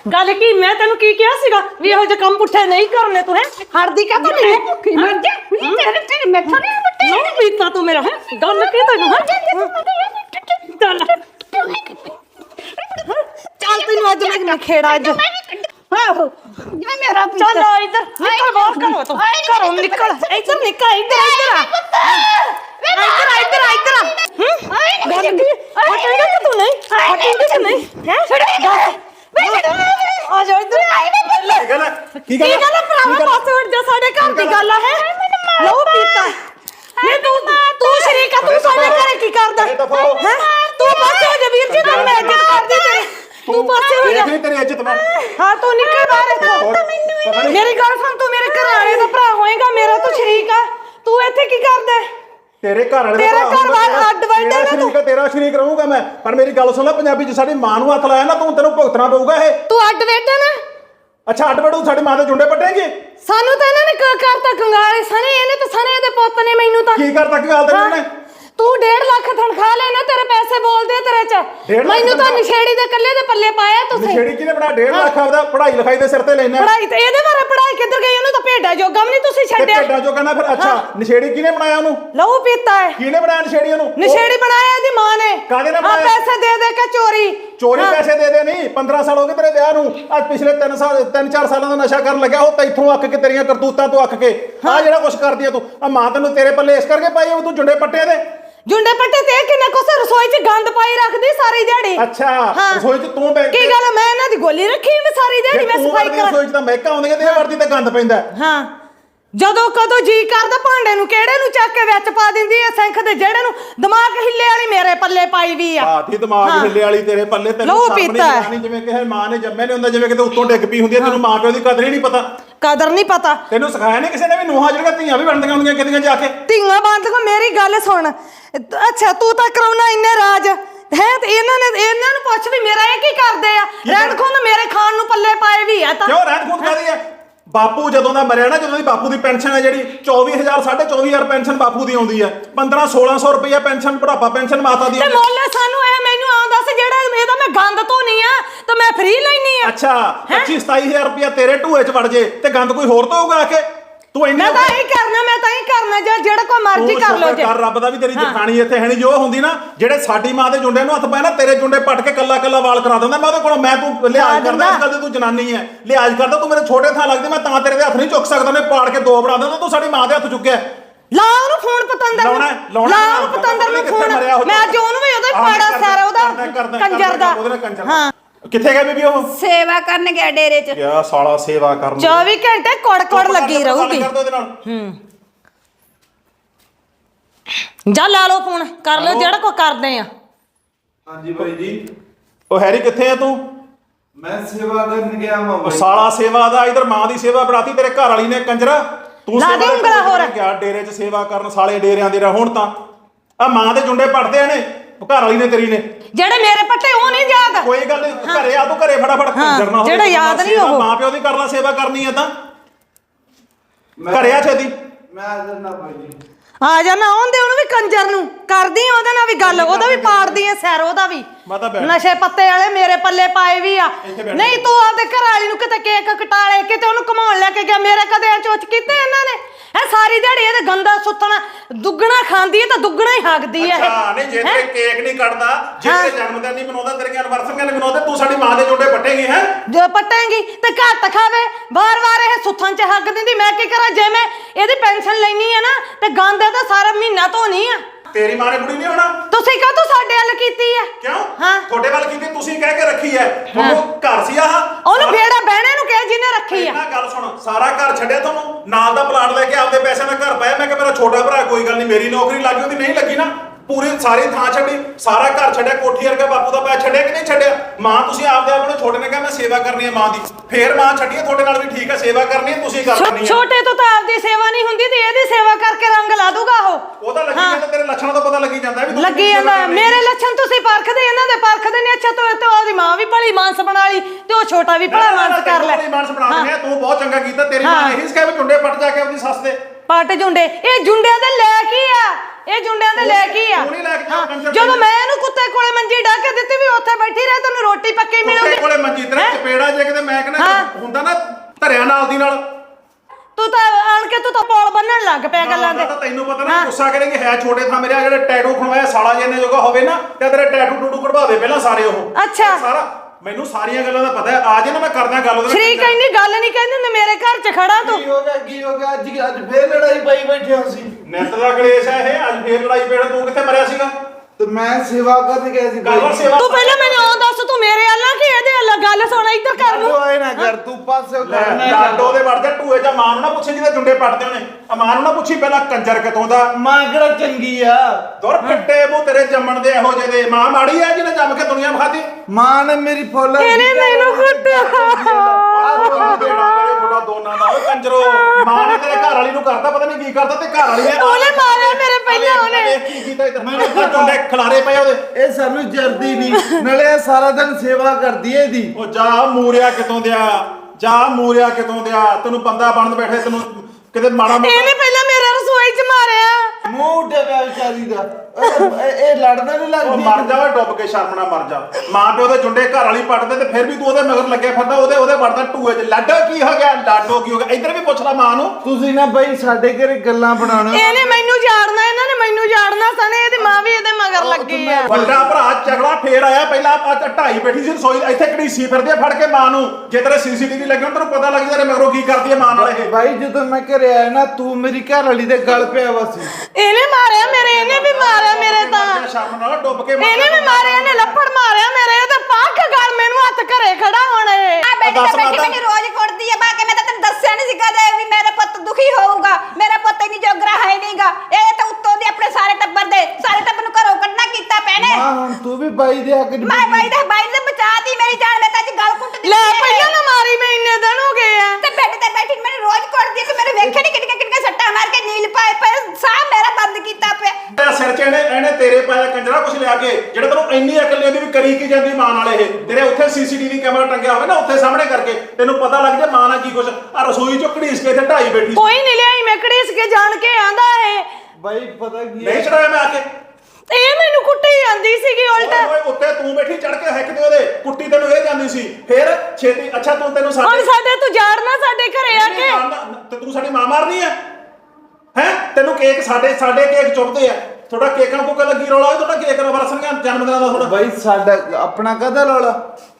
गल की मैं तेन की किया सीगा भी इहो जे काम पुठे नहीं करने तू है हरदी का तो नहीं मर जा तेरे तेरे मैं तो नहीं पीता तू मेरा है गल की तेन है चल चल तेन आज मैं खेड़ा आज आहो ये मेरा चल इधर निकल बाहर करो तो करो निकल इधर निकल इधर इधर इधर इधर हटेगा कि तू नहीं हटेगा कि नहीं है आ जा इधर की गल भरावा पासवर्ड जो साडे घर दी गल है लो पीता नहीं तू शरीक तू साडे घरे की करदा है तू पासे हो जा वीर जी मैं इज्जत करदी तेरी तू पासे हो जा तेरी इज्जत मैं हां तू निकल बाहर मेरी गल सुन तू मेरे घर वाले दा भरा होएगा मेरा तू शरीक है तू ਇੱਥੇ ਕੀ ਕਰਦਾ तेरे घर वाले तेरा घर वाला अड्ड वड्डा ना तू तेरा शरीक रहूंगा मैं पर मेरी गल सुन ले पंजाबी च साडी मां ਨੂੰ ਹੱਥ ਲਾਇਆ ਨਾ ਤੂੰ ਤੈਨੂੰ ਭੁਗਤਣਾ ਪਊਗਾ ਇਹ ਤੂੰ ਅੱਡ ਵੈਡਾ ਨਾ ਅੱਛਾ ਅੱਡ ਵੜੂ ਸਾਡੀ ਮਾਂ ਦੇ ਜੁੰਡੇ ਪੱਟੇਂਗੇ ਸਾਨੂੰ ਤਾਂ ਇਹਨਾਂ ਨੇ ਕਰਤਾ ਕੰਗਾਲੇ ਸਣੇ ਇਹਨੇ ਤਾਂ ਸਣੇ ਦੇ ਪੁੱਤ ਨੇ ਮੈਨੂੰ ਤਾਂ ਕੀ ਕਰਤਾ ਕੀ ਗੱਲ ਤੈਨੂੰ ਨੇ ਤੂੰ 1.5 ਲੱਖ ਤਨਖਾਹ ਲੈਣਾ ਤੇਰੇ ਪੈਸੇ ਬੋਲਦੇ ਤੇਰੇ ਚ ਮੈਨੂੰ ਤਾਂ ਨਿਸ਼ੇੜੀ ਦੇ ਕੱਲੇ ਦੇ ਪੱਲੇ ਪਾਇਆ ਤੁਸੀਂ ਨਿਸ਼ੇੜੀ ਕਿਨੇ ਬਣਾ 1.5 ਲੱਖ ਆਪਦਾ ਪੜ੍ਹਾਈ ਲਿਖਾਈ ਦੇ ਸਿਰ ਤੇ ਲੈਣਾ ਪੜ੍ਹਾਈ ਤੇ ਇਹਦੇ ਬਾਰੇ ਪੜ੍ਹਾਈ ਕਿੱਧਰ ਗਈ ਉਹਨੂੰ ਤਾਂ ਭੇਡਾ ਜੋਗਾ ਵੀ ਨਹੀਂ ਤੁਸੀਂ ਛੱਡਿਆ ਭੇਡਾ ਜੋਗਾ ਨਾ ਫਿਰ ਅੱਛਾ ਨਿਸ਼ੇੜੀ ਕਿਨੇ ਬਣਾਇਆ ਉਹਨੂੰ ਲਹੂ ਪੀਤਾ ਹੈ ਕਿਨੇ ਬਣਾਇਆ ਨਿਸ਼ੇੜੀ ਉਹਨੂੰ ਨਿਸ਼ੇੜੀ ਬਣਾਇਆ ਇਹਦੀ ਮਾਂ ਨੇ ਕਾਹਦੇ ਨਾਲ ਬਣਾਇਆ ਪੈਸੇ ਦੇ ਦੇ ਕੇ ਚੋਰੀ ਪੈਸੇ ਦੇ ਦੇ ਨਹੀਂ 15 ਸਾਲ ਹੋ ਗਏ ਤੇਰੇ ਵਿਆਹ ਨੂੰ ਅੱਜ ਪਿਛਲੇ 3-4 ਸਾਲਾਂ ਦਾ ਨਸ਼ਾ ਕਰਨ ਲੱਗਿਆ ਉਹ ਤੈਥੋਂ ਅੱਕ ਕੇ ਤੇਰੀਆਂ ਕਰਤੂਤਾਂ ਤੋਂ ਅੱਕ ਕੇ ਆ ਜਿਹੜਾ ਕੁਝ ਕਰਦੀ ਆ ਤੂੰ ਆ ਮਾਂ ਤੈਨੂੰ ਤੇਰੇ ਪੱਲੇ ਇਸ ਕਰਕੇ ਪਾਈ ਉਹ ਤੂੰ ਜੁੰਡੇ ਪੱਟੇ ਦੇ ਜੁੰਡੇ ਪੱਟੇ ਤੇ ਕਿੰਨਾ ਕੁਛ ਰਸੋਈ 'ਚ ਗੰਦ ਪਾਈ ਰੱਖਦੀ ਸਾਰੀ ਦਿਹਾੜੀ ਅੱਛਾ ਰਸੋਈ 'ਚ ਤੂੰ ਬੈਠ ਕੀ ਗੱਲ ਮੈਂ ਇਹਨਾਂ ਦੀ ਗੋਲੀ ਰੱਖੀ ਮੈਂ ਸਾਰੀ ਦਿਹਾੜੀ ਮੈਂ ਸਫਾਈ ਕਰਾਂ ਰਸੋਈ 'ਚ ਤਾਂ ਮਹਿਕਾਂ ਆਉਂਦੀਆਂ ਤੇ ਵਰਦੀ ਤੇ ਗੰਦ ਪੈਂਦਾ ਹਾਂ ਜਦੋਂ ਕਦੋਂ ਜੀ ਕਰਦਾ ਭਾਂਡੇ ਨੂੰ ਕਿਹੜੇ ਨੂੰ ਚੱਕ ਕੇ ਵਿੱਚ ਪਾ ਦਿੰਦੀ ਐ ਸਿੰਖ ਦੇ ਜਿਹੜੇ ਨੂੰ ਦਿਮਾਗ ਹਿੱਲੇ ਵਾਲੀ ਮੇਰੇ ਪੱਲੇ ਪਾਈ ਵੀ ਆ ਆਤੀ ਦਿਮਾਗ ਹਿੱਲੇ ਵਾਲੀ ਤੇਰੇ ਪੱਲੇ ਤੈਨੂੰ ਸਾਹਮਣੇ ਜਿਵੇਂ ਕਿਸੇ ਮਾਂ ਨੇ ਜੰਮੇ ਨਹੀਂ ਹੁੰਦਾ ਜਿਵੇਂ ਕਿਤੇ ਉੱਤੋਂ ਡਿੱਗ ਪਈ ਹੁੰਦੀ ਐ ਤੈਨੂੰ ਮਾਂ ਪਿਓ ਦੀ ਕਦਰ ਹੀ ਨਹੀਂ ਪਤਾ ਕਦਰ ਨਹੀਂ ਪਤਾ ਤੈਨੂੰ ਸਿਖਾਇਆ ਨਹੀਂ ਕਿਸੇ ਨੇ ਵੀ ਨੂੰਹਾਂ ਜਿਹੜੀਆਂ ਧੀਆਂ ਵੀ ਬਣਦੀਆਂ ਹੁੰਦੀਆਂ ਕਿਤੇ ਜਾ ਕੇ ਧੀਆਂ ਬੰਦ ਮੇਰੀ ਗੱਲ ਸੁਣ ਅੱਛਾ ਤੂੰ ਤਾਂ ਕਰਾਉਣਾ ਇੰਨੇ ਰਾਜ ਹੈ ਤੇ ਇਹਨਾਂ ਨੂੰ ਪੁੱਛ ਵੀ ਮੇਰਾ ਇਹ ਕੀ ਕਰਦੇ ਆ ਰਹਿਣ ਖੁੰਦ ਮੇਰੇ ਖਾਣ ਨੂੰ ਪੱਲੇ ਪਾਏ ਵੀ ਆ ਤਾਂ ਕਿਉਂ ਰਹਿਣ ਖੁੰਦ ਕਾਦੀ ਆ ਬਾਪੂ ਜਦੋਂ ਦਾ ਮਰਿਆ ਨਾ ਜਦੋਂ ਦੀ ਬਾਪੂ ਦੀ ਪੈਨਸ਼ਨ ਹੈ ਜਿਹੜੀ 24000 24,500 ਪੈਨਸ਼ਨ ਬਾਪੂ ਦੀ ਆਉਂਦੀ ਹੈ 1500-1600 ਰੁਪਇਆ ਪੈਨਸ਼ਨ ਬੁਢਾਪਾ ਪੈਨਸ਼ਨ ਮਾਤਾ ਦੀ ਤੇ ਮੋਲੇ ਸਾਨੂੰ ਇਹ ਮੈਨੂੰ ਆਉਂਦਾ ਸੀ ਜਿਹੜਾ ਇਹਦਾ ਮੈਂ ਗੰਦ ਧੋਣੀ ਆ ਤਾਂ ਮੈਂ ਫ੍ਰੀ ਲੈਣੀ ਆ ਅੱਛਾ 25-27,000 ਰੁਪਇਆ ਤੇਰੇ ਢੂਏ 'ਚ ਵੜ ਜੇ ਤੇ ਗੰਦ ਕੋਈ ਹੋਰ ਧੋਊਗਾ ਆ ਕੇ ਤੂੰ ਇੰਨੀ ਮੈਂ ਤਾਂ ਹੀ ਕਰਨਾ ਜਿਹੜਾ ਕੋਈ ਮਰਜ਼ੀ ਕਰ ਲੋ ਜੇ ਕਰ ਰੱਬ ਦਾ ਵੀ ਤੇਰੀ ਜਖਾਣੀ ਇੱਥੇ ਹੈ ਨਹੀਂ ਜੋ ਹੁੰਦੀ ਨਾ ਜਿਹੜੇ ਸਾਡੀ ਮਾਂ ਦੇ ਜੁੰਡੇ ਨੂੰ ਹੱਥ ਪਾਏ ਨਾ ਤੇਰੇ ਜੁੰਡੇ ਪੱਟ ਕੇ ਕੱਲਾ ਵਾਲ ਕਰਾ ਦਿੰਦਾ ਮੈਂ ਉਹਦੇ ਕੋਲੋਂ ਮੈਂ ਤੂੰ ਲਿਹਾਜ਼ ਕਰਦਾ ਇਸ ਗੱਲ ਤੇ ਤੂੰ ਜਨਾਨੀ ਹੈ ਲਿਹਾਜ਼ ਕਰਦਾ ਤੂੰ ਮੇਰੇ ਛੋਟੇ ਥਾਂ ਲੱਗਦੀ ਮੈਂ ਤਾਂ ਤੇਰੇ ਦੇ ਹੱਥ ਨਹੀਂ ਚੁੱਕ ਸਕਦਾ ਉਹਨੇ ਪਾੜ ਕੇ ਦੋ ਬਣਾ ਦਿੰਦਾ ਤੂੰ ਸਾਡੀ ਮਾਂ ਦੇ ਹੱਥ ਚੁੱਕਿਆ ਲਾ ਉਹਨੂੰ ਫੋਨ ਪਤੰਦਰ ਨੂੰ ਪਤੰਦਰ ਨੂੰ ਫੋਨ ਮੈਂ ਅੱਜ ਉਹਨੂੰ ਵੀ ਉਹਦਾ ਪਾੜਾ ਸਾਰਾ ਉਹਦਾ ਕੰਜਰ ਦਾ ਹਾਂ ਕਿੱਥੇ ਗਿਆ ਬੀਬੀ ਉਹ ਸੇਵਾ ਕਰਨ ਗਿਆ ਡੇਰੇ 'ਚ ਕਿਆ ਸਾਲਾ ਸੇਵਾ ਕਰਨ 24 ਘੰਟੇ ਕੋੜ ਲੱਗੀ ਰਹੂਗੀ ਜਾ ਲਾ ਲਓ ਫੋਨ ਕਰ ਲਓ ਜਿਹੜਾ ਕੋ ਕਰਦੇ ਆ ਹਾਂਜੀ ਭਾਈ ਜੀ ਉਹ ਹੈਰੀ ਕਿੱਥੇ ਆ ਤੂੰ ਮੈਂ ਸੇਵਾ ਕਰਨ ਗਿਆ ਮਾਂ ਬਾਈ ਸਾਲਾ ਸੇਵਾ ਦਾ ਇਧਰ ਮਾਂ ਦੀ ਸੇਵਾ ਬਣਾਤੀ ਤੇਰੇ ਘਰ ਵਾਲੀ ਨੇ ਕੰਜਰਾ ਤੂੰ ਲਾ ਦੇ ਉਂਗਲਾ ਹੋਰ ਗਿਆ ਡੇਰੇ 'ਚ ਸੇਵਾ ਕਰਨ ਸਾਲੇ ਡੇਰਿਆਂ ਦੇ ਹੁਣ ਤਾਂ ਆ ਮਾਂ ਦੇ ਜੁੰਡੇ ਪੜਦੇ ਨੇ ਘਰ ਵਾਲੀ ਨੇ ਤੇਰੀ ਨੇ ਜਿਹੜੇ ਮੇਰੇ ਪੱਟੇ ਉਹ ਨਹੀਂ ਯਾਦ ਕੋਈ ਗੱਲ ਨਹੀਂ ਘਰੇ ਆ ਤੂੰ ਘਰੇ ਫਟਾਫਟ ਕੰਜਰ ਨਾ ਹੋਵੇ ਜਿਹੜਾ ਯਾਦ ਨਹੀਂ ਉਹ ਮਾਂ ਪਿਓ ਦੀ ਕਰ ਲੈ ਸੇਵਾ ਕਰਨੀ ਹੈ ਤਾਂ ਘਰੇ ਆ ਛੇਤੀ ਮੈਂ ਹਾਜ਼ਰ ਨਾ ਭਾਈ ਜੀ ਆ ਜਾ ਨਾ ਆਉਂਦੇ ਉਹਨੂੰ ਵੀ ਕੰਜਰ ਨੂੰ ਕਰਦੀ ਉਹਦੇ ਨਾਲ ਵੀ ਗੱਲ ਉਹਦਾ ਵੀ ਪਾੜਦੀ ਐ ਸੈਰ ਉਹਦਾ ਵੀ ਨਸ਼ੇ ਪੱਤੇ ਵਾਲੇ ਮੇਰੇ ਪੱਲੇ ਪਾਏ ਵੀ ਆ ਨਹੀਂ ਤੂੰ ਆਪਦੇ ਘਰ ਵਾਲੀ ਨੂੰ ਕਿਤੇ ਕੇਕ ਕਟਾਲੇ ਕਿਤੇ ਉਹਨੂੰ ਘਮਾਉਣ ਲੈ ਕੇ ਗਿਆ ਮੇਰੇ ਕਦੇ ਚੋਚ ਕੀਤੇ ਇਹਨਾਂ ਨੇ ਇਹ ਸਾਰੀ ਦਿਹਾੜੀ ਇਹਦੇ ਗੰਦਾ ਸੁੱਤਣਾ ਦੁੱਗਣਾ ਖਾਂਦੀ ਐ ਤਾਂ ਦੁੱਗਣਾ ਹੀ ਹੱਗਦੀ ਐ ਅੱਛਾ ਨਹੀਂ ਜੇ ਤੇ ਕੇਕ ਨਹੀਂ ਕੱਟਦਾ ਜੇ ਤੇ ਜਨਮ ਦਿਨ ਨਹੀਂ ਮਨਾਉਂਦਾ ਤੇਰੀਆਂ ਐਨਵਰਸਰੀਆਂ ਨਹੀਂ ਮਨਾਉਂਦੇ ਤੂੰ ਸਾਡੀ ਮਾਂ ਦੇ ਜੋੜੇ ਪੱਟੇਗੀ ਹੈ ਜੋ ਪੱਟੇਗੀ ਤੇ ਘੱਟ ਖਾਵੇ ਵਾਰ-ਵਾਰ ਇਹ ਸੁੱਥਾਂ 'ਚ ਹੱਗ ਦਿੰਦੀ ਮੈਂ ਕੀ ਕਰਾਂ ਜੇ ਮੈਂ ਇਹਦੀ ਪੈਨਸ਼ਨ ਲੈਣੀ ਆ ਨਾ ਤੇ ਗੰਦ ਤਾਂ ਸਾਰਾ ਮਹੀਨਾ ਧੋਣੀ ਆ ਤੇਰੀ ਮਾਂ ਨੇ ਬੁੜੀ ਨਹੀਂ ਹੋਣਾ ਤੁਸੀਂ ਕਾਹ ਤੋਂ ਸਾਡੇ ਵੱਲ ਕੀਤੀ ਆ ਕਿਉਂ ਤੁਹਾਡੇ ਵੱਲ ਕੀਤੀ ਤੁਸੀਂ ਕਹਿ ਕੇ ਰੱਖੀ ਐ ਤੁਹਾਨੂੰ ਘਰ ਸੀ ਆਹ ਉਹਨੂੰ ਬੇੜਾ ਬਹਿਣੇ ਨੂੰ ਕਿਹਾ ਜਿਹਨੇ ਰੱਖੀ ਆ ਮੈਂ ਗੱਲ ਸੁਣ ਸਾਰਾ ਘਰ ਛੱਡਿਆ ਤੁਹਾਨੂੰ ਨਾਲ ਦਾ ਪਲਾਟ ਲੈ ਕੇ ਆਪਦੇ ਪੈਸਿਆਂ ਦਾ ਘਰ ਪਾਇਆ ਮੈਂ ਕਿ ਮੇਰਾ ਛੋਟਾ ਭਰਾ ਕੋਈ ਗੱਲ ਨਹੀਂ ਮੇਰੀ ਨੌਕਰੀ ਲੱਗੀ ਉਹਦੀ ਨਹੀਂ ਲੱਗੀ ਨਾ ਪੂਰੀ ਸਾਰੀ ਥਾਂ ਛੱਡੀ ਸਾਰਾ ਘਰ ਛੱਡਿਆ ਕੋਠੀ ਵਰਗਾ ਬਾਪੂ ਦਾ ਪੈਸਾ ਛੱਡਿਆ ਕਿ ਨਹੀਂ ਛੱਡਿਆ ਮਾਂ ਤੁਸੀਂ ਆਪਦੇ ਆਪ ਨੂੰ ਛੋਟੇ ਨੇ ਕਿਹਾ ਮੈਂ ਸੇਵਾ ਕਰਨੀ ਹੈ ਮਾਂ ਦੀ ਫੇਰ ਮਾਂ ਛੱਡੀਏ ਤੁਹਾਡੇ ਨਾਲ ਵੀ ਠੀਕ ਹੈ ਸੇਵਾ ਕਰਨੀ ਹੈ ਤੁਸੀਂ ਕਰਨੀ ਹੈ ਛੋਟੇ ਤੋਂ ਤਾਂ ਆਪਦੀ ਸੇਵਾ ਨਹੀਂ ਹੁੰਦੀ ਤੇ ਇਹਦੀ ਸੇਵਾ ਕਰਕੇ ਰੰਗ ਲਾ ਦੂਗਾ ਉਹ ਤਾਂ ਲੱਗੀ ਜਾਂਦਾ ਤੇਰੇ ਲੱਛਣਾਂ ਤੋਂ ਪਤਾ ਲੱਗੀ ਜਾਂਦਾ ਵੀ ਲੱਗੀ ਜਾਂਦਾ ਮੇਰੇ ਲੱਛਣ ਤੁਸੀਂ ਪਰਖਦੇ ਇਹਨਾਂ ਦੇ ਪਰਖਦੇ ਨੇ ਅੱਛਾ ਤੂੰ ਉਹਦੀ ਮਾਂ ਵੀ ਭਲੀ ਮਾਨਸ ਬਣਾ ਲਈ ਤੇ ਉਹ ਛੋਟਾ ਵੀ ਭਲਾ ਮਾਨਸ ਕਰ ਲੈ ਮਾਨਸ ਬਣਾ ਦਿੰਦੇ ਤੂੰ ਬਹੁਤ ਚੰਗਾ ਕੀਤਾ ਤੇਰੀ ਮਾਂ ਨੇ ਇਹੀ ਸਿਖਾਇਆ ਵੀ ਝੁੰਡੇ ਪੱਟ ਜਾ ਕੇ ਆਪਣੀ ਸੱਸ ਦੇ ਪੱਟ ਝੁੰਡੇ ਇਹ ਝੁੰਡਿਆਂ ਦੇ ਲੈ ਕੀ ਆ ਇਹ ਜੁੰਡਿਆਂ ਦੇ ਲੈ ਕੀ ਆ ਜਦੋਂ ਮੈਂ ਇਹਨੂੰ ਕੁੱਤੇ ਕੋਲੇ ਮੰਜੀ ਢਾ ਕੇ ਦਿੱਤੀ ਵੀ ਉੱਥੇ ਬੈਠੀ ਰਹਿ ਤੈਨੂੰ ਰੋਟੀ ਪੱਕੀ ਮਿਲੂਗੀ ਕੁੱਤੇ ਕੋਲੇ ਮੰਜੀ ਤੇਰੇ ਚਪੇੜਾ ਜੇ ਕਿਤੇ ਮੈਂ ਕਹਿੰਦਾ ਹੁੰਦਾ ਨਾ ਧਰਿਆ ਨਾਲ ਦੀ ਨਾਲ ਤੂੰ ਤਾਂ ਆਣ ਕੇ ਤੂੰ ਤਾਂ ਪੌਲ ਬੰਨਣ ਲੱਗ ਪਿਆ ਗੱਲਾਂ ਦੇ। ਤਾਂ ਤੈਨੂੰ ਪਤਾ ਨਾ ਗੁੱਸਾ ਕਰੇਂਗੇ ਹੈ ਛੋਟੇ ਥਾਂ ਮੇਰੇ ਆ ਜਿਹੜੇ ਟੈਟੂ ਖਣਵਾਇਆ ਸਾਲਾ ਜਿੰਨੇ ਜੋਗਾ ਹੋਵੇ ਨਾ ਤੇ ਤੇਰੇ ਟੈਟੂ ਟੂਟੂ ਕਢਵਾ ਦੇ ਪਹਿਲਾਂ ਸਾਰੇ ਉਹ ਅੱਛਾ ਸਾਰਾ ਮੈਨੂੰ ਸਾਰੀਆਂ ਗੱਲਾਂ ਦਾ ਪਤਾ ਹੈ ਆ ਜੇ ਨਾ ਮੈਂ ਕਰਦਾ ਗੱਲ ਉਹਦੇ ਸ਼ਰੀਕ ਇੰਨੀ ਗੱਲ ਨਹੀਂ ਕਹਿੰਦੇ ਹੁੰਦੇ ਮੇਰੇ ਘਰ 'ਚ ਖੜਾ ਤੂੰ। ਕੀ ਹੋ ਗਿਆ ਅੱਜ ਫੇਰ ਲੜਾਈ ਪਾਈ ਬੈਠੇ ਹੋ ਸੀ। ਨਿੱਤ ਦਾ ਕਲੇਸ਼ ਹੈ ਇਹ ਅੱਜ ਫੇਰ ਲੜਾਈ ਪੇੜ ਤੂੰ ਕਿੱਥੇ ਮਰਿਆ ਸੀਗਾ ਤੇ ਮੈਂ ਸੇਵਾ ਕਰਨ ਗਿਆ ਸੀ ਗੱਲ ਸੇਵਾ ਤੂੰ ਪਹਿਲਾਂ ਮੈਨੂੰ ਉਹ ਦੱਸ ਤੂੰ ਮੇਰੇ ਅੱਲਾ ਕਿ ਇਹਦੇ ਅੱਲਾ ਗੱਲ ਸੁਣ ਇੱਧਰ ਕਰ ਨੂੰ। ਆਏ ਨਾ ਕਰ ਤੂੰ ਪਾਸੇ ਕਰਨਾ ਲਾਡੋ ਦੇ ਵੜ ਜਾ ਟੂਏ ਜਾਂ ਮਾਂ ਨੂੰ ਨਾ ਪੁੱਛੀ ਜਿਹਦੇ ਜੁੰਡੇ ਪੱਟਦੇ ਉਹਨੇ ਆ ਮਾਂ ਨੂੰ ਨਾ ਪੁੱਛੀ ਪਹਿਲਾਂ ਕੰਜਰ ਕਿਤੋਂ ਦਾ ਮਾਂ ਕਿਹੜਾ ਚੰਗੀ ਆ ਦੁਰ ਫਿੱਟੇ ਮੂੰਹ ਤੇਰੇ ਜੰਮਣ ਦੇ ਇਹੋ ਜਿਹੇ ਦੇ ਮਾਂ ਮਾੜੀ ਆ ਜਿਹਨੇ ਜੰਮ ਕੇ ਦੁਨੀਆ ਖਾਦੀ ਮਾਂ ਨੇ ਮੇਰੀ ਫੁੱਲ ਇਹਨੇ ਮੈਨੂੰ ਕੁੱਟਿਆ। ਤੁਹਾਡਾ ਦੋਨਾਂ ਦਾ ਓਏ ਕੰਜਰੋ ਮਾਂ ਨੇ ਤੇਰੇ ਘਰ ਵਾਲੀ ਨੂੰ ਕਰਤਾ ਪਤਾ ਨਹੀਂ ਕੀ ਕਰਤਾ ਤੇ ਘਰ ਵਾਲੀ ਨੇ ਉਹਨੇ ਮਾਰਿਆ ਮੇਰੇ ਪਹਿਲਾਂ ਉਹਨੇ। ਕੀ ਕੀਤਾ ਇਧਰ ਮੈਨੂੰ ਜੁੰਡੇ ਖਿਲਾਰੇ ਪਏ ਉਹਦੇ ਇਹ ਸਾਨੂੰ ਜਰਦੀ ਨਹੀਂ ਨਾਲੇ ਇਹ ਸਾਰਾ ਦਿਨ ਸੇਵਾ ਕਰਦੀ ਏ ਇਹਦੀ ਉਹ ਜਾ ਮੂਰਿਆ ਕਿਤੋਂ ਦਿਆ ਤੈਨੂੰ ਬੰਦਾ ਬਣਨ ਬੈਠੇ ਤੈਨੂੰ ਕਿਤੇ ਮਾੜਾ ਇਹਨੇ ਪਹਿਲਾਂ ਮੇਰੇ ਰਸੋਈ 'ਚ ਮਾਰਿਆ। ਮੂੰਹ ਉੱਠਿਆ ਪਿਆ ਵਿਚਾਰੀ ਦਾ ਇਹ ਲੜਦਾ ਨਹੀਂ ਉਹ ਲੱਗਦੀ ਮਰ ਜਾ ਓਏ ਡੁੱਬ ਕੇ ਸ਼ਰਮ ਨਾਲ ਮਰ ਜਾ ਮਾਂ ਪਿਓ ਦੇ ਜੁੰਡੇ ਘਰ ਵਾਲੀ ਪੱਟਦੇ ਤੇ ਫਿਰ ਵੀ ਤੂੰ ਉਹਦੇ ਮਗਰ ਲੱਗਿਆ ਫਿਰਦਾ ਉਹਦੇ ਵੜਦਾ ਟੂਏ 'ਚ ਲਾਡੋ ਕੀ ਹੋ ਗਿਆ ਇੱਧਰ ਵੀ ਪੁੱਛ ਲੈ ਮਾਂ ਨੂੰ ਤੁਸੀਂ ਨਾ ਬਈ ਸਾਡੇ ਘਰੇ ਗੱਲਾਂ ਬਣਾਉਣਾ ਇਹਨੇ ਮੈਨੂੰ ਜਾੜਨਾ ਇਹਨਾਂ ਨੇ ਮੈਨੂੰ ਜਾੜਨਾ ਸਣੇ ਇਹਦੀ ਮਾਂ ਵੀ ਇਹਦੇ ਮਗਰ ਲੱਗੀ ਆ। ਵੱਡਾ ਭਰਾ ਝਗੜਾ ਫੇਰ ਆਇਆ ਪਹਿਲਾਂ ਢਾਈ ਬੈਠੀ ਸੀ ਰਸੋਈ ਇੱਥੇ ਘੜੀਸੀ ਫਿਰਦੀ ਆ ਫੜ ਕੇ ਮਾਂ ਨੂੰ ਜੇ ਤੇਰੇ ਸੀਸੀਟੀਵੀ ਲੱਗੇ ਹੋਣ ਤੈਨੂੰ ਪਤਾ ਲੱਗ ਜਾਏ ਮਗਰੋਂ ਕੀ ਕਰਦੀ ਹੈ ਮਾਂ ਨਾਲ ਇਹ ਭਾਈ ਜਦੋਂ ਮੈਂ ਘਰੇ ਆਇਆ ਨਾ ਤੂੰ ਮੇਰੀ ਘਰ ਵਾਲੀ ਦੇ ਗਲ ਪਿਆ ਵਾ ਸੀ ਇਹਨੇ ਮਾਰਿਆ ਮੇਰੇ ਇਹਨੇ ਵੀ ਮਾਰਿਆ ਮੇਰੇ ਤਾਂ ਸ਼ਰਮ ਨਾਲ ਡੁੱਬ ਕੇ ਇਹਨੇ ਵੀ ਮਾਰਿਆ ਇਹਨੇ ਲੱਫੜ ਮਾਰਿਆ ਮੇਰੇ ਤੇ ਪੱਕ ਗੱਲ ਮੈਨੂੰ ਹੱਥ ਘਰੇ ਖੜਾ ਹੁਣ ਇਹ। ਆ ਬੈਠੀ ਤਾਂ ਬੈਠੀ ਮੈਨੂੰ ਰੋਜ਼ ਕੁੱਟਦੀ ਆ ਬਾਕੀ ਮੈਂ ਤਾਂ ਤੈਨੂੰ ਦੱਸਿਆ ਨਹੀਂ ਸੀ ਕਦੇ ਵੀ ਮੇਰਾ ਪੁੱਤ ਦੁਖੀ ਹੋਊਗਾ ਮੇਰਾ ਪੁੱਤ ਇੰਨੀ ਜੋਗਰਾ ਹੈ ਨਹੀਂਗਾ ਇਹ ਤਾਂ ਉੱਤੋਂ ਦੀ ਆਪਣੇ ਸਾਰੇ ਟੱਬਰ ਨੂੰ ਘਰੋਂ ਕੱਢਣਾ ਕੀਤਾ ਪੈਣੇ। ਹਾਂ ਹੁਣ ਤੂੰ ਵੀ ਬਾਈ ਦੇ ਹੱਕ ਮੈਂ ਬਾਈ ਦੇ ਬਚਾਤੀ ਮੇਰੀ ਜਾਨ ਮੈਂ ਤਾਂ ਅੱਜ ਗੱਲ ਕੁੱਟਦੀ ਲੈ ਪਹਿਲਾਂ ਨਾ ਮਾਰੀ ਮੈਂ ਇੰਨੇ ਦਿਨ ਹੋ ਗਏ ਆ ਤੇ ਬੈੱਡ ਤੇ ਬੈਠੀ ਮੈਨੂੰ ਰੋਜ਼ ਕੁੱਟਦੀ ਤੇ ਮੇਰੇ ਵੇਖੇ ਨਹੀਂ ਕਿੰਨੇ ਸੱਟਾਂ ਮਾਰ ਕੇ ਨੀਲ ਪਾਏ ਪਏ ਸਾਹ ਮੇਰਾ ਬੰਦ ਕੀਤਾ ਪਿਆ। ਤੇਰਾ ਸਿਰ 'ਚ ਇਹਨੇ ਤੇਰੇ ਪਾਇਆ ਕੰਜਰਾ ਕੁਛ ਲਿਆ ਕੇ ਜਿਹੜਾ ਤੈਨੂੰ ਇੰਨੀ ਅਕਲ ਨਹੀਂ ਆਉਂਦੀ ਵੀ ਕਰੀ ਕੀ ਜਾਂਦੀ ਮਾਂ ਨਾਲ ਇਹ ਤੇਰੇ ਉੱਥੇ ਸੀਸੀਟੀਵੀ ਕੈਮਰਾ ਟੰਗਿਆ ਹੋਵੇ ਨਾ ਉੱਥੇ ਸਾਹਮਣੇ ਕਰਕੇ ਤੈਨੂੰ ਪਤਾ ਲੱਗ ਜਾ ਮਾਂ ਨਾਲ ਕੀ ਕੁਛ ਆ ਰਸੋਈ 'ਚੋਂ ਘੜੀਸ ਕੇ ਇੱਥੇ ਢਾਈ ਬੈਠੀ ਕੋਈ ਨਹੀਂ ਲਿਆਈ ਮੈਂ ਘੜੀਸ ਕੇ ਜਾਣ ਕੇ ਆਂਦਾ ਇਹ ਬਾਈ ਪਤਾ ਕੀ ਨਹੀਂ ਚੜਾਇਆ ਮੈਂ ਆ ਕੇ ਇਹ ਮੈਨੂੰ ਕੁੱਟੀ ਜਾਂਦੀ ਸੀਗੀ ਉਲਟਾ। ਓਏ ਉੱਤੇ ਤੂੰ ਬੈਠੀ ਚੜ ਕੇ ਹੈਕਦੇ ਉਹਦੇ ਕੁੱਟੀ ਤੈਨੂੰ ਇਹ ਜਾਂਦੀ ਸੀ ਫਿਰ ਛੇਤੀ ਅੱਛਾ ਤੈਨੂੰ ਹੁਣ ਸਾਡੇ ਤੂੰ ਜਾੜਨਾ ਸਾਡੇ ਘਰੇ ਆ ਕੇ ਤੇ ਤੂੰ ਸਾਡੀ ਮਾਂ ਮਾਰਨੀ ਹੈ ਤੈਨੂੰ ਕੇਕ ਸਾਡੇ ਕੇਕ ਚੁੱਪਦੇ ਆ ਥੋੜਾ ਕੇਕਾਂ ਕੋਕਾ ਲੱਗੀ ਰੌਲਾ ਹੋਏ ਤੁਹਾਡਾ ਕੇਕ ਨਾਲ ਵਰਸਣਗੇ ਜਨਮ ਦਿਨਾਂ ਦਾ ਥੋੜਾ ਬਾਈ ਸਾਡਾ ਆਪਣਾ ਕਦਾ ਰੌਲਾ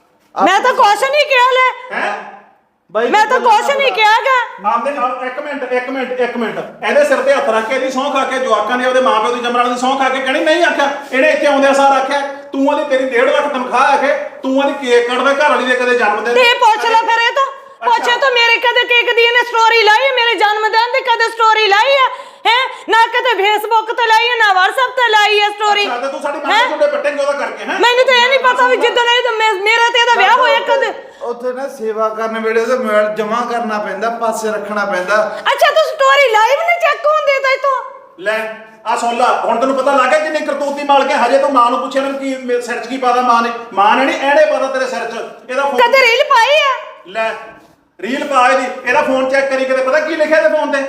ਮੈਂ ਤਾਂ ਕੁਛ ਨਹੀਂ ਕਿਹਾ ਲੈ ਹੈ ਬਾਈ ਮੈਂ ਤਾਂ ਕੁਛ ਨਹੀਂ ਕਿਹਾਗਾ ਆਪਦੇ ਇੱਕ ਮਿੰਟ ਇਹਦੇ ਸਿਰ ਤੇ ਹੱਥ ਰੱਖ ਕੇ ਇਹਦੀ ਸਹੁੰ ਖਾ ਕੇ ਜਵਾਕਾਂ ਨੇ ਉਹਦੇ ਮਾਪਿਓ ਦੀ ਜਮਰਾਂ ਦੀ ਸਹੁੰ ਖਾ ਕੇ ਕਹਿਣੀ ਨਹੀਂ ਆਖਿਆ ਇਹਨੇ ਇੱਥੇ ਆਉਂਦਿਆਂ ਸਾਰ ਆਖਿਆ ਤੂੰ ਉਹਦੀ ਤੇਰੀ 1.5 ਲੱਖ ਤਨਖਾਹ ਆਖੇ ਤੂੰ ਉਹਦੀ ਕੇਕ ਕੱਟਦਾ ਘਰ ਵਾਲੀ ਦੇ ਕਦੇ ਜਨਮ ਦਿਨ ਤੇ ਪੁੱਛ ਲੈ ਫਿਰ ਇਹ ਤਾਂ ਪੁੱਛੇ ਤਾਂ ਮੇਰੇ ਕਦੇ ਕੇਕ ਦੀ ਇਹਨੇ ਸਟੋਰੀ ਲਾਈ ਮੇਰੇ ਜਨਮ ਦਿਨ ਦੀ ਕਦੇ ਸਟੋਰੀ ਲਾਈ ਹੈ ਨਾ ਕਦੇ ਫੇਸਬੁੱਕ ਤੇ ਲਾਈ ਹੈ ਨਾ WhatsApp ਤੇ ਲਾਈ ਹੈ ਸਟੋਰੀ ਤੂੰ ਸਾਡੀ ਮਾਂ ਦੇ ਜੁੰਡੇ ਪੱਟੇਂਗੇ ਉਹਦਾ ਕਰਕੇ ਹੈ ਮੈਨੂੰ ਤਾਂ ਇਹ ਨਹੀਂ ਪਤਾ ਵੀ ਜਿੱਦਣ ਇਹ ਮੇਰਾ ਤੇ ਇਹਦਾ ਵਿਆਹ ਹੋਇਆ ਕਦੇ ਉੱਥੇ ਨਾ ਸੇਵਾ ਕਰਨ ਵੇਲੇ ਉਹਦਾ ਮੋਬਾਈਲ ਜਮਾ ਕਰਨਾ ਪੈਂਦਾ ਪਾਸੇ ਰੱਖਣਾ ਪੈਂਦਾ ਅੱਛਾ ਤੂੰ ਸਟੋਰੀ ਲਾਈਵ ਨਹੀਂ ਚੈੱਕ ਹੁੰਦੀ ਤਾਂ ਇਤੋਂ ਲੈ ਆ ਸੁਣ ਲਾ ਹੁਣ ਤੈਨੂੰ ਪਤਾ ਲੱਗ ਗਿਆ ਕਿੰਨੀ ਕਰਤੂਤੀ ਮਾਲ ਕੇ ਹਜੇ ਤੂੰ ਮਾਂ ਨੂੰ ਪੁੱਛਿਆ ਨਾ ਕੀ ਸਿਰ 'ਚ ਕੀ ਪਾਦਾ ਮਾਂ ਨੇ ਨਹੀਂ ਐੜੇ ਪਾਦਾ ਤੇਰੇ ਸਿਰ 'ਚ ਇਹਦਾ ਫੋਨ ਕਦੇ ਰੀਲ ਪਾਈ ਆ ਲੈ ਰੀਲ ਪਾ ਇਹਦਾ ਫੋਨ ਚੈੱਕ ਕਰੀ ਕਿਤੇ ਪਤਾ ਕੀ ਲਿਖਿਆ ਤੇ ਫੋਨ ਤੇ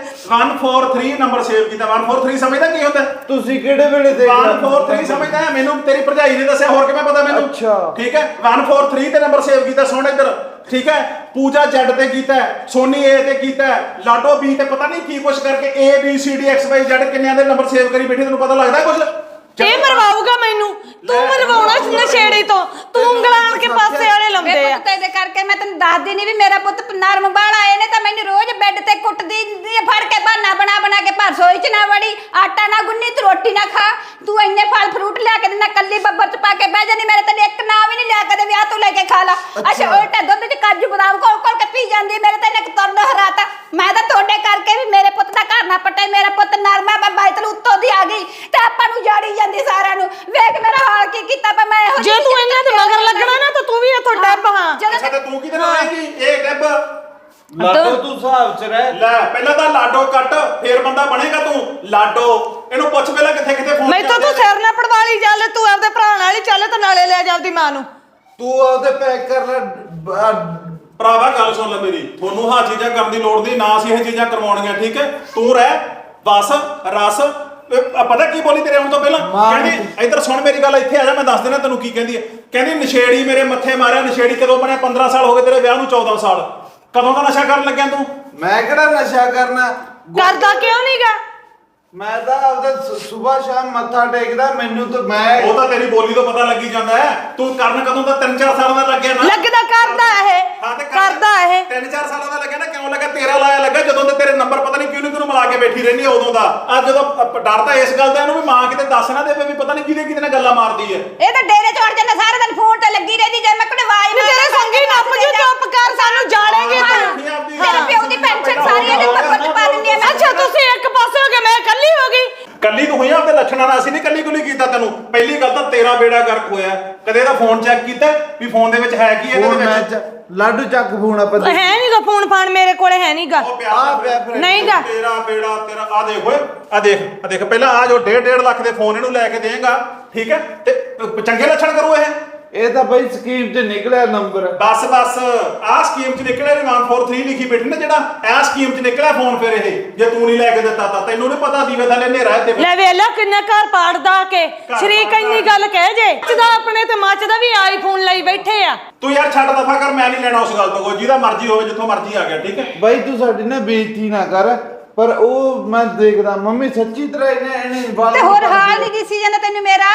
143 ਨੰਬਰ ਸੇਵ ਕੀਤਾ 143 ਸਮਝਦਾ ਕੀ ਹੁੰਦਾ ਤੁਸੀਂ ਕਿਹੜੇ ਵੇਲੇ ਦੇਖ 143 ਸਮਝਦਾ ਮੈਨੂੰ ਤੇਰੀ ਭਰਜਾਈ ਨੇ ਦੱਸਿਆ ਹੋਰ ਕਿਵੇਂ ਪਤਾ ਮੈਨੂੰ ਅੱਛਾ ਠੀਕ ਹੈ 143 ਤੇ ਨੰਬਰ ਸੇਵ ਕੀਤਾ ਸੁਣ ਇੱਧਰ ਠੀਕ ਹੈ ਪੂਜਾ ਜੈਡ ਤੇ ਕੀਤਾ ਸੋਨੀ ਏ ਤੇ ਕੀਤਾ ਲਾਡੋ ਬੀ ਤੇ ਪਤਾ ਨਹੀਂ ਕੀ ਕੁਛ ਕਰਕੇ A B C D X Y Z ਕਿੰਨਿਆਂ ਦੇ ਨੰਬਰ ਸੇਵ ਕਰੀ ਬੈਠੀ ਤੈਨੂੰ ਪਤਾ ਲੱਗਦਾ ਕੁਛ ਇਹ ਮਰਵਾਊਗਾ ਮੈਨੂੰ ਤੂੰ ਮਰਵਾਉਣਾ ਨਸ਼ੇੜੀ ਤੋਂ ਤੂੰ ਉਂਗਲਾਂ ਆਣ ਕੇ ਪਾਸੇ ਵਾਲੇ ਲੰਮਦੇ ਆ ਪੁੱਤ ਇਹਦੇ ਕਰਕੇ ਮੈਂ ਤੈਨੂੰ ਦੱਸਦੀ ਨਹੀਂ ਵੀ ਮੇਰਾ ਪੁੱਤ ਨਰਮ ਬਾਲਾ ਇਹਨੇ ਤਾਂ ਮੈਨੂੰ ਰੋਜ਼ ਬੈੱਡ ਤੇ ਕੁੱਟਦੀ ਫੜ ਕੇ ਬਣਾ ਕੇ ਭਰ ਸੋਈ ਚ ਨਾ ਵੜੀ ਆਟਾ ਨਾ ਗੁੰਨੀ ਤੂੰ ਰੋਟੀ ਨਾ ਖਾ ਤੂੰ ਇੰਨੇ ਫਲ ਫਰੂਟ ਲਿਆ ਕੇ ਦਿੰਦਾ ਕੱਲੀ ਬੱਬਰ ਚ ਪਾ ਕੇ ਬਹਿ ਜਾਨੀ ਮੇਰੇ ਤੈਨੂੰ ਇੱਕ ਨਾ ਵੀ ਨਹੀਂ ਲਿਆ ਕਦੇ ਵਿਆਹ ਤੋਂ ਲੈ ਕੇ ਖਾ ਲਾ ਅੱਛਾ ਉਲਟਾ ਦੁੱਧ ਚ ਕਾਜੂ ਬਦਾਮ ਕੋਲ ਕੇ ਪੀ ਜਾਂਦੀ ਮੇਰੇ ਤੈਨੂੰ ਇੱਕ ਤੁਰਨ ਹਰਾਤਾ ਮੈਂ ਤਾਂ ਤੁਹਾਡੇ ਕਰਕੇ ਵੀ ਮੇਰੇ ਪੁੱਤ ਦਾ ਘਰ ਨਾ ਪਟੇ ਮੇਰਾ ਪੁੱਤ ਨਰਮਾ ਮੈਂ ਬਾਈਤਲ ਉੱਤੋਂ ਦੀ ਆ ਗਈ ਤੇ ਆਪਾਂ ਨੂੰ ਜਾੜੀ ਜਾਂਦੀ ਸਾਰਿਆਂ ਨੂੰ ਵੇਖ ਮੇਰਾ ਹਾਲ ਕੀ ਕੀਤਾ ਪਾ ਮੈਂ ਜੇ ਤੂੰ ਇਹਨਾਂ ਦੇ ਮਗਰ ਲੱਗਣਾ ਨਾ ਤਾਂ ਤੂੰ ਵੀ ਇੱਥੋਂ ਡੱਬ ਹਾਂ ਅੱਛਾ ਤੇ ਤੂੰ ਕਿਹਦੇ ਨਾਲ ਆਏਗੀ ਇਹ ਡੱਬ ਲਾਡੋ ਤੂੰ ਹਿਸਾਬ ਚ ਰਹਿ ਲੈ ਪਹਿਲਾਂ ਤਾਂ ਲਾਡੋ ਕੱਟ ਫੇਰ ਬੰਦਾ ਬਣੇਗਾ ਤੂੰ ਲਾਡੋ ਇਹਨੂੰ ਪੁੱਛ ਪਹਿਲਾਂ ਕਿੱਥੇ ਫੋਨ ਮੈਂ ਤਾਂ ਤੂੰ ਸਿਰ ਨਾ ਪੜਵਾਲੀ ਚੱਲ ਤੂੰ ਆਪਦੇ ਭਰਾ ਨਾਲ ਹੀ ਚੱਲ ਤੇ ਨਾਲੇ ਲੈ ਜਾ ਆਪਦੀ ਮਾਂ ਨੂੰ ਤੂੰ ਉਹਦੇ ਪੈਕ ਕਰ ਲੈ ਭਰਾਵਾ ਗੱਲ ਸੁਣ ਲੈ ਮੇਰੀ ਤੁਹਾਨੂੰ ਆਹ ਚੀਜ਼ਾਂ ਕਰਨ ਦੀ ਲੋੜ ਨਹੀਂ ਨਾ ਅਸੀਂ ਇਹ ਚੀਜ਼ਾਂ ਕਰਵਾਉਣੀਆਂ ਠੀਕ ਹੈ ਤੂੰ ਰਹਿ ਬਸ ਰਸ ਪਤਾ ਕੀ ਬੋਲੀ ਤੇਰੇ ਆਉਣ ਤੋਂ ਪਹਿਲਾਂ ਮਾਂ ਕਹਿੰਦੀ ਇੱਧਰ ਸੁਣ ਮੇਰੀ ਗੱਲ, ਇੱਥੇ ਆ ਜਾ ਮੈਂ ਦੱਸ ਦੇਣਾ ਤੈਨੂੰ ਕੀ ਕਹਿੰਦੀ ਹੈ। ਕਹਿੰਦੀ ਨਸ਼ੇੜੀ ਮੇਰੇ ਮੱਥੇ ਮਾਰਿਆ, ਨਸ਼ੇੜੀ ਕਦੋਂ ਬਣਿਆ? 15 ਸਾਲ ਹੋ ਗਏ ਤੇਰੇ ਵਿਆਹ ਨੂੰ, 14 ਸਾਲ। ਕਦੋਂ ਦਾ ਨਸ਼ਾ ਕਰਨ ਲੱਗਿਆ ਤੂੰ? ਮੈਂ ਕਿਹੜਾ ਨਸ਼ਾ ਕਰਨਾ ਕਰਦਾ ਕਿਉਂ ਨਹੀਂਗਾ? ਮੈਂ ਤਾਂ ਆਪਦਾ ਸਵੇਰ ਸ਼ਾਮ ਮੱਥਾ ਟੇਕਦਾ। ਮੈਨੂੰ ਤਾਂ ਮੈਂ ਉਹ ਤਾਂ ਤੇਰੀ ਬੋਲੀ ਤੋਂ ਪਤਾ ਲੱਗੀ ਜਾਂਦਾ ਹੈ। ਤੂੰ ਕਰਨ ਕਦੋਂ ਦਾ? 3-4 ਸਾਲਾਂ ਦਾ ਲੱਗਿਆ ਨਾ। ਲੱਗਦਾ ਕਰਦਾ ਇਹ, ਹਾਂ ਤੇ ਕਰਦਾ ਇਹ। 3-4 ਸਾਲਾਂ ਦਾ ਲੱਗਿਆ ਨਾ। ਕਿਉਂ ਲੱਗਾ? ਤੇਰਾ ਲਾਇਆ ਲੱਗਾ ਜਦੋਂ ਤੇ ਤੇਰੇ ਨੰਬਰ ਪਤਾ ਨਹੀਂ ਕਿਉਂ ਮਿਲਾ ਕੇ ਬੈਠੀ ਰਹਿੰਦੀ ਹੈ ਉਦੋਂ ਦਾ। ਅੱਜ ਜਦੋਂ ਡਰ ਤਾਂ ਇਸ ਗੱਲ ਦਾ ਇਹਨੂੰ ਵੀ ਮਾਂ ਕਿਤੇ ਦੱਸ ਨਾ ਦੇਵੇ ਵੀ ਪਤਾ ਨਹੀਂ ਕਿਹਦੇ ਕਿਹਦੇ ਨਾਲ ਗੱਲਾਂ ਮਾਰਦੀ ਹੈ। ਇਹ ਤਾਂ ਡੇਰੇ ਚੜ ਜਾਂਦਾ ਸਾਰਾ ਦਿਨ ਫੋਨ ਤੇ ਲੱਗੀ ਰਹਿੰਦੀ। ਜੇ ਮੈਂ ਕੋਈ ਆਵਾਜ਼ ਨੀ ਤੇਰੇ ਸੰਗੀ ਨੱਪ ਜੂ, ਚੁੱਪ ਕਰ, ਸਾਨੂੰ ਜਾਣੇਗੇ ਤੂੰ। ਤੇਰੇ ਪਿਓ ਦੀ ਪੈਨਸ਼ਨ ਸਾਰੀ ਇਹਦੇ ਟੱਬਰ ਚ ਪਾ ਦਿੰਦੀ ਆ ਮੈਂ। ਅੱਛਾ ਤੁਸੀਂ ਇੱਕ ਪਾਸੇ ਹੋ ਗਏ, ਮੈਂ ਇਕੱਲੀ ਹੋ ਗਈ। ਕੱਲੀ ਤੂੰ ਹੋਈ ਆ ਆਪਦੇ ਲੱਛਣਾਂ ਨਾਲ। ਅਸੀਂ ਨਹੀਂ ਕੱਲੀ ਕੁਲੀ ਕੀਤਾ ਤੈਨੂੰ। ਪਹਿਲੀ ਗੱਲ ਤਾਂ ਤੇਰਾ ਬੇੜਾ ਗਰਕ ਹੋਇਆ। ਕਦੇ ਇਹਦਾ ਫੋਨ ਚੈੱਕ ਕੀਤਾ ਵੀ ਫੋਨ ਦੇ ਵਿੱਚ ਹੈ ਕੀ ਇਹਦੇ ਫੋਨ ਵਿੱਚ? ਮੈਂ ਲਾਡੂ ਚੱਕ ਫੋਨ ਆਪਾਂ ਹੈ ਨਹੀਂਗਾ ਫੋਨ ਫਾਨ, ਮੇਰੇ ਕੋਲੇ ਹੈ ਨਹੀਂਗਾ। ਉਹ ਆ ਪਿਆ ਫਿਰ। ਨਹੀਂਗਾ। ਤੇਰਾ ਬੇੜਾ ਤੇਰਾ। ਆ ਦੇਖ ਓਏ, ਆ ਦੇਖ ਪਹਿਲਾਂ ਆ ਜੋ 1.5 ਲੱਖ ਦੇ ਫੋਨ ਇਹਨੂੰ ਲੈ ਕੇ ਦੇਂਗਾ, ਠੀਕ ਹੈ, ਤੇ ਚੰਗੇ ਲੱਛਣ ਕਰੂ ਇਹ। ਇਹ ਤਾਂ ਬਈ ਸਕੀਮ 'ਚ ਨਿਕਲਿਆ ਨੰਬਰ। ਬਸ ਆਹ ਸਕੀਮ 'ਚ ਨਿਕਲਿਆ ਵੀ 143 ਲਿਖੀ ਬੈਠੀ ਨਾ, ਜਿਹੜਾ ਇਹ ਸਕੀਮ 'ਚ ਨਿਕਲਿਆ ਫੋਨ। ਫਿਰ ਇਹ ਜੇ ਤੂੰ ਨਹੀਂ ਲੈ ਕੇ ਦਿੱਤਾ ਤਾਂ ਤੈਨੂੰ ਨਹੀਂ ਪਤਾ ਦੀਵੇ ਥੱਲੇ ਹਨੇਰਾ ਹੈ ਤੇ ਲੈ ਵੇਲਾ ਕਿੰਨਾ ਘਰ ਪਾੜਦਾ ਕੇ ਸ਼ਰੀਕ ਇੰਨੀ ਗੱਲ ਕਹਿ ਜੇ ਜਿਹਦਾ ਆਪਣੇ ਤੇ ਮੱਚਦਾ ਵੀ ਆਈਫੋਨ ਲਈ ਬੈਠੇ ਆ। ਤੂੰ ਯਾਰ ਛੱਡ ਦਫਾ ਕਰ, ਮੈਂ ਨਹੀਂ ਲੈਣਾ ਉਸ ਗੱਲ ਤੋਂ। ਜਿਹਦਾ ਮਰਜ਼ੀ ਹੋਵੇ, ਜਿੱਥੋਂ ਮਰਜ਼ੀ ਆ ਗਿਆ, ਠੀਕ ਹੈ। ਬਾਈ ਤੂੰ ਸਾਡੀ ਨਾ ਬੇਇੱਜ਼ਤੀ ਨਾ ਕਰ। ਪਰ ਉਹ ਮੈਂ ਦੇਖਦਾ ਮੰਮੀ ਸੱਚੀ ਤਰ੍ਹਾਂ ਇਹਨੇ ਵਾਲ ਤੇ ਹੋਰ ਹਾਲ ਨਹੀਂ ਦਿਸੀ ਜਾਂਦਾ ਤੈਨੂੰ ਮੇਰਾ।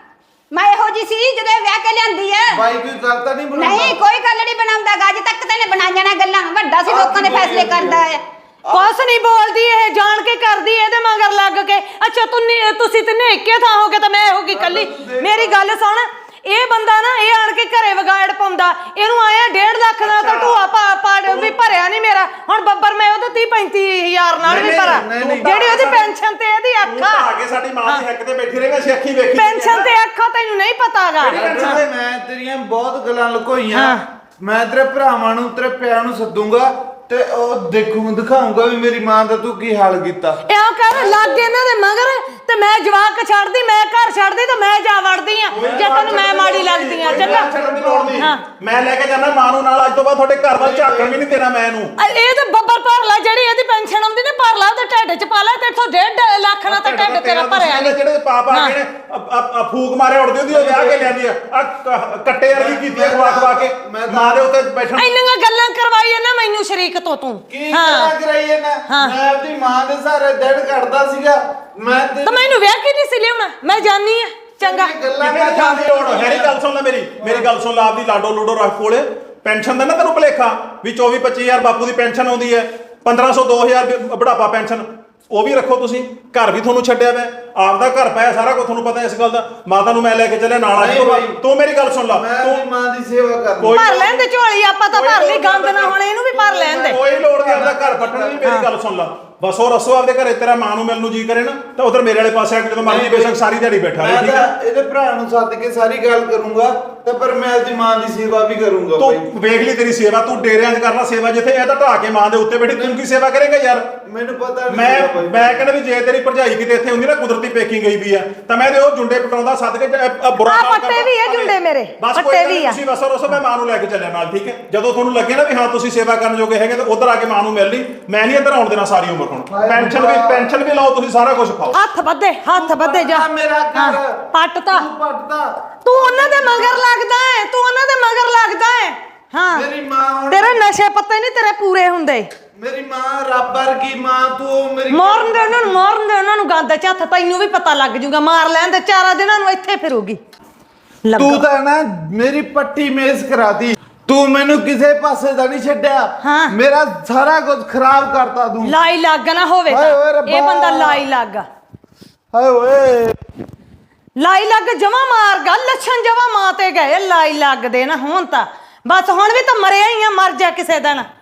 ਮੈਂ ਇਹੋ ਜੀ ਸੀ ਜਦੋਂ ਇਹ ਵਿਆਹ ਕੇ ਲਿਆਂਦੀ ਆ। ਬਾਈ ਕੋਈ ਗੱਲ ਤਾਂ ਨਹੀਂ ਬਣਾਉਂਦਾ? ਨਹੀਂ ਕੋਈ ਗੱਲ ਨਹੀਂ ਬਣਾਉਂਦਾ। ਅੱਜ ਤੱਕ ਤਾਂ ਇਹਨੇ ਬਣਾਈਆਂ ਨਾ ਗੱਲਾਂ। ਵੱਡਾ ਸੀ, ਲੋਕਾਂ ਦੇ ਫੈਸਲੇ ਕਰਦਾ ਆ। ਕੁਛ ਨਹੀਂ ਬੋਲਦੀ ਇਹ, ਜਾਣ ਕੇ ਕਰਦੀ ਇਹਦੇ ਮਗਰ ਲੱਗ ਕੇ। ਅੱਛਾ ਤੁਸੀਂ ਤੇ ਨੇਕੇ ਥਾਂ ਹੋ ਕੇ ਤਾਂ ਮੈਂ ਹੋ ਗਈ ਕੱਲੀ। ਮੇਰੀ ਗੱਲ ਸੁਣ, ਇਹ ਬੰਦਾ ਨਾ ਇਹ ਆਣ ਕੇ ਘਰੇ ਵਿਗਾੜ ਪਾਉਂਦਾ। ਇਹਨੂੰ ਆਇਆ 1.5 ਲੱਖ ਦਾ ਤਾਂ ਢੂਆ ਪਾ ਵੀ ਭਰਿਆ ਨਹੀਂ ਮੇਰਾ। ਹੁਣ ਬੱਬਰ ਮੈਂ ਉਹਦੇ 30-35 ਹਜ਼ਾਰ ਨਾਲ ਵੀ ਭਰਾ, ਜਿਹੜੀ ਉਹਦੀ ਪੈਨਸ਼ਨ ਤੇ ਇਹਦੀ ਅੱਖਾਂ ਆ ਕੇ ਸਾਡੀ ਮਾਂ ਦੀ ਹੱਕ ਤੇ ਬੈਠੀ ਰਹੇਗਾ, ਅਸੀਂ ਅੱਖੀ ਵੇਖੀ ਪੈਨਸ਼ਨ ਤੇ ਅੱਖਾਂ ਤੈਨੂੰ ਨਹੀਂ ਪਤਾਗਾ। ਮੈਂ ਤੇਰੀਆਂ ਬਹੁਤ ਗੱਲਾਂ ਲੁਕੋਈਆਂ। ਮੈਂ ਤੇਰੇ ਭਰਾਵਾਂ ਨੂੰ ਤੇਰੇ ਪਿਆਂ ਨੂੰ ਸੱਦੂਗਾ ਤੇ ਉਹ ਦਿਖਾਉਂਗਾ ਵੀ ਮੇਰੀ ਮਾਂ ਦਾ ਤੂੰ ਕੀ ਹਾਲ ਕੀਤਾ। ਇਉਂ ਕਰ ਲੱਗ ਇਹਨਾਂ ਦੇ ਮਗਰ ਤੇ ਮੈਂ ਜਵਾਕ ਛੱਡਦੀ, ਮੈਂ ਘਰ ਛੱਡਦੀ ਤੇ ਮੈਂ ਜਾ ਵੜਦੀ ਆ ਜੇ ਤੈਨੂੰ ਮੈਂ ਮਾੜੀ ਲੱਗਦੀ ਆ। ਚੰਗਾ ਛੱਡਣ ਦੀ ਲੋੜ ਨਹੀਂ। ਮੈਂ ਲੈ ਕੇ ਜਾਣਾ ਮਾਂ ਨੂੰ ਨਾਲ। ਅੱਜ ਤੋਂ ਬਾਅਦ ਤੁਹਾਡੇ ਘਰ ਵੱਲ ਝਾਕਣ ਵੀ ਨਹੀਂ ਦੇਣਾ ਮੈਂ ਇਹਨੂੰ। ਇਹ ਤੇ ਬੱਬਰ ਭਰ ਲੈ, ਜਿਹੜੀ ਇਹਦੀ ਪੈਨਸ਼ਨ ਆਉਂਦੀ ਨੇ ਭਰ ਲਾ ਉਹਦੇ ਢਿੱਡ 'ਚ ਪਾ ਲੈ। ਤੇ 1.5 ਲੱਖ ਨਾਲ ਤਾਂ ਢਿੱਡ ਤੇਰਾ ਭਰਿਆ ਨਹੀਂ। ਜਿਹੜੇ ਪਾਪਾ ਨੇ ਫੂਕ ਮਾਰੇ ਉੜਦੇ ਉਹਦੀ, ਉਹ ਵਿਆਹ ਕੇ ਲਿਆਂਦੀ ਆ ਕੱਟੇ ਵਰਗੀ ਕੀਤੀ ਖਵਾ ਕੇ ਮਾਂ ਦੇ ਉੱਤੇ ਬੈਠਣ। ਇੰਨੀਆਂ ਗੱਲਾਂ ਕਰਵਾਈ ਨਾ ਮੈਨੂੰ ਸ਼ਰੀਕ ਤੋਂ ਤੂੰ। ਕੀ ਗੱਲਾਂ ਕਰਾਈਏ ਨਾ? ਮੈਂ ਆਪਣੀ ਮਾਂ ਦੇ ਸਾਰੇ ਦਿਨ ਕੱਢਦਾ ਸੀਗਾ। ਮੈਂ ਤਾਂ ਮੈਨੂੰ ਵਿਆਹ ਕੀ ਨਹੀਂ ਸੀ ਲਿਆਉਣਾ, ਮੈਂ ਜਾਣੀ ਆ। ਚੰਗਾ ਗੱਲਾਂ ਕਿਤੇ ਜਾਣ ਦੀ ਲੋੜ ਹੈ ਨਹੀਂ। ਗੱਲ ਸੁਣ ਲੈ ਮੇਰੀ ਗੱਲ ਸੁਣ ਲੈ। ਆਪਦੀ ਲਾਡੋ ਲੂਡੋ ਰੱਖ ਕੋਲੇ। ਪੈਨਸ਼ਨ ਦਾ ਨਾ ਤੈਨੂੰ ਭੁਲੇਖਾ ਵੀ 24-25 ਹਜ਼ਾਰ ਬਾਪੂ ਦੀ ਪੈਨਸ਼ਨ ਆਉਂਦੀ ਹੈ, 1500 2000 ਬੁਢਾਪਾ ਪੈਨਸ਼ਨ ਉਹ ਵੀ ਰੱਖੋ ਤੁਸੀਂ। ਘਰ ਵੀ ਤੁਹਾਨੂੰ ਛੱਡਿਆ ਵਾ, ਆਪਦਾ ਘਰ ਪਾਇਆ, ਸਾਰਾ ਕੁਝ ਤੁਹਾਨੂੰ ਪਤਾ ਇਸ ਗੱਲ ਦਾ। ਮਾਤਾ ਨੂੰ ਮੈਂ ਲੈ ਕੇ ਚੱਲਿਆ ਨਾਲ। ਤੂੰ ਮੇਰੀ ਗੱਲ ਸੁਣ ਲਾ, ਤੂੰ ਮਾਂ ਦੀ ਸੇਵਾ ਕਰ। ਭਰ ਲੈਣ ਦੇ ਝੋਲੀ, ਆਪਾਂ ਤਾਂ ਭਰ ਲਈ, ਗੰਦ ਨਾ ਹੋਣੇ, ਇਹਨੂੰ ਵੀ ਭਰ ਲੈਣ ਦੇ। ਕੋਈ ਲੋੜ ਨਹੀਂ ਆਪਦਾ ਘਰ ਪੱਟਣ ਦੀ। ਮੇਰੀ ਗੱਲ ਸੁਣ ਲਾ, ਬਸ ਉਹ ਰਸੋ ਆਪਦੇ ਘਰੇ। ਤੇਰਾ ਮਾਂ ਨੂੰ ਮਿਲਣ ਨੂੰ ਜੀ ਕਰੇ ਨਾ ਤਾਂ ਉਧਰ ਮੇਰੇ ਵਾਲੇ ਪਾਸੇ ਆ ਕੇ ਜਦੋਂ ਮਰਜ਼ੀ ਬੇਸ਼ੱਕ ਸਾਰੀ ਦਿਹਾੜੀ ਬੈਠਾ ਰਹੇ, ਠੀਕ ਹੈ। ਇਹਦੇ ਭਰਾ ਨੂੰ ਸੱਦ ਕੇ ਸਾਰੀ ਗੱਲ ਕਰੂੰਗਾ ਤੇ ਪਰ ਮੈਂ ਆਪਣੀ ਮਾਂ ਦੀ ਸੇਵਾ ਵੀ ਕਰੂੰਗਾ। ਤੂੰ ਵੇਖ ਲਈ ਤੇਰੀ ਸੇਵਾ, ਤੂੰ ਡੇਰਿਆਂ 'ਚ ਕਰਨਾ ਸੇਵਾ, ਜਿੱਥੇ ਇਹ ਤਾਂ ਢਾ ਕੇ ਮਾਂ ਦੇ ਉੱਤੇ ਬੈਠੀ, ਤੂੰ ਕੀ ਸੇਵਾ ਕਰੇਗਾ ਯਾਰ? ਮੈਨੂੰ ਪਤਾ ਮੈਂ ਕਹਿੰਦਾ ਵੀ ਜੇ ਤੇਰੀ ਭਰਜਾਈ ਕਿਤੇ ਇੱਥੇ ਹੁੰਦੀ ਨਾ, ਕੁਦਰਤੀ ਪੇਕੀ ਗਈ ਵੀ ਆ, ਤਾਂ ਮੈਂ ਤੇ ਉਹ ਜੁੰਡੇ ਪਟਾਉਂਦਾ ਸੱਦ ਕੇ ਬੁਰਾ ਆ ਪੱਟੇ ਵੀ ਇਹ ਜੁੰਡੇ ਮੇਰੇ, ਪੱਟੇ ਵੀ ਆ। ਤੁਸੀਂ ਬਸ ਰਸੋ, ਮੈਂ ਮਾਂ ਨੂੰ ਲੈ ਕੇ ਚੱਲਿਆ ਨਾਲ, ਠੀਕ ਹੈ। ਜਦੋਂ ਤੁਹਾਨੂੰ ਲੱਗੇ ਨਾ ਵੀ ਹਾਂ ਤੁਸੀਂ ਸੇਵਾ ਕਰਨ ਜੋਗੇ ਹੈਗੇ, ਤਾਂ ਉਧਰ ਆ ਕੇ ਮਾਂ ਨੂੰ ਮਿਲ ਲਈ। ਮੈਂ ਨਹੀਂ ਇੱਧਰ ਆਉਣ ਦੇਣਾ ਸਾਰੀ ਉਮਰ। ਹੁਣ ਪੈਨਸ਼ਨ ਵੀ ਲਾਓ ਤੁਸੀਂ, ਸਾਰਾ ਕੁਝ ਖਾਓ। ਹੱਥ ਵੱਧੇ ਜਾ। ਮੇਰਾ ਘਰ ਪੱਟਤਾ ਤੂੰ ਉਹਨਾਂ ਦੇ ਮਗਰ ਲੱਗਦਾ ਹੈ, ਤੂੰ ਉਹਨਾਂ ਦੇ ਮਗਰ ਲੱਗਦਾ ਹੈ। ਹਾਂ ਮੇਰੀ ਮਾਂ ਤੇਰੇ ਨਸ਼ੇ ਪੱਤੇ ਨਹੀਂ ਤੇਰੇ ਪੂਰੇ ਹੁੰਦੇ। ਮੇਰੀ ਮਾਂ ਰੱਬ ਵਰਗੀ ਮਾਂ, ਤੂੰ ਮੇਰੀ ਮਾਰਨ ਦੇ ਉਹਨਾਂ ਨੂੰ ਗੰਦ ਚ ਹੱਥ। ਤੈਨੂੰ ਵੀ ਪਤਾ ਲੱਗ ਜੂਗਾ, ਮਾਰ ਲੈਣ ਦੇ 4 ਦਿਨਾਂ ਨੂੰ ਇੱਥੇ ਫਿਰੂਗੀ। ਤੂੰ ਤਾਂ ਨਾ ਮੇਰੀ ਪੱਟੀ ਮੇਜ਼ ਕਰਾਤੀ। ਤੂੰ ਮੈਨੂੰ ਕਿਸੇ ਪਾਸੇ ਦਾ ਨਹੀਂ ਛੱਡਿਆ। ਮੇਰਾ ਸਾਰਾ ਕੁਝ ਖਰਾਬ ਕਰਤਾ ਤੂੰ। ਲਾਈ ਲੱਗ ਨਾ ਹੋਵੇ ਇਹ ਬੰਦਾ, ਲਾਈ ਲੱਗ। ਹਾਏ ਓਏ ਲਾਈ ਲੱਗ ਜਮਾ ਮਾਰਗਾ, ਲੱਛਣ ਜਮਾ ਮਾਂ ਤੇ ਗਏ। ਲਾਈ ਲੱਗ ਦੇ ਨਾ ਹੁਣ ਤਾਂ ਬਸ, ਹੁਣ ਵੀ ਤਾਂ ਮਰਿਆ ਹੀ ਆ, ਮਰ ਜਾ ਕਿਸੇ ਦਿਨ।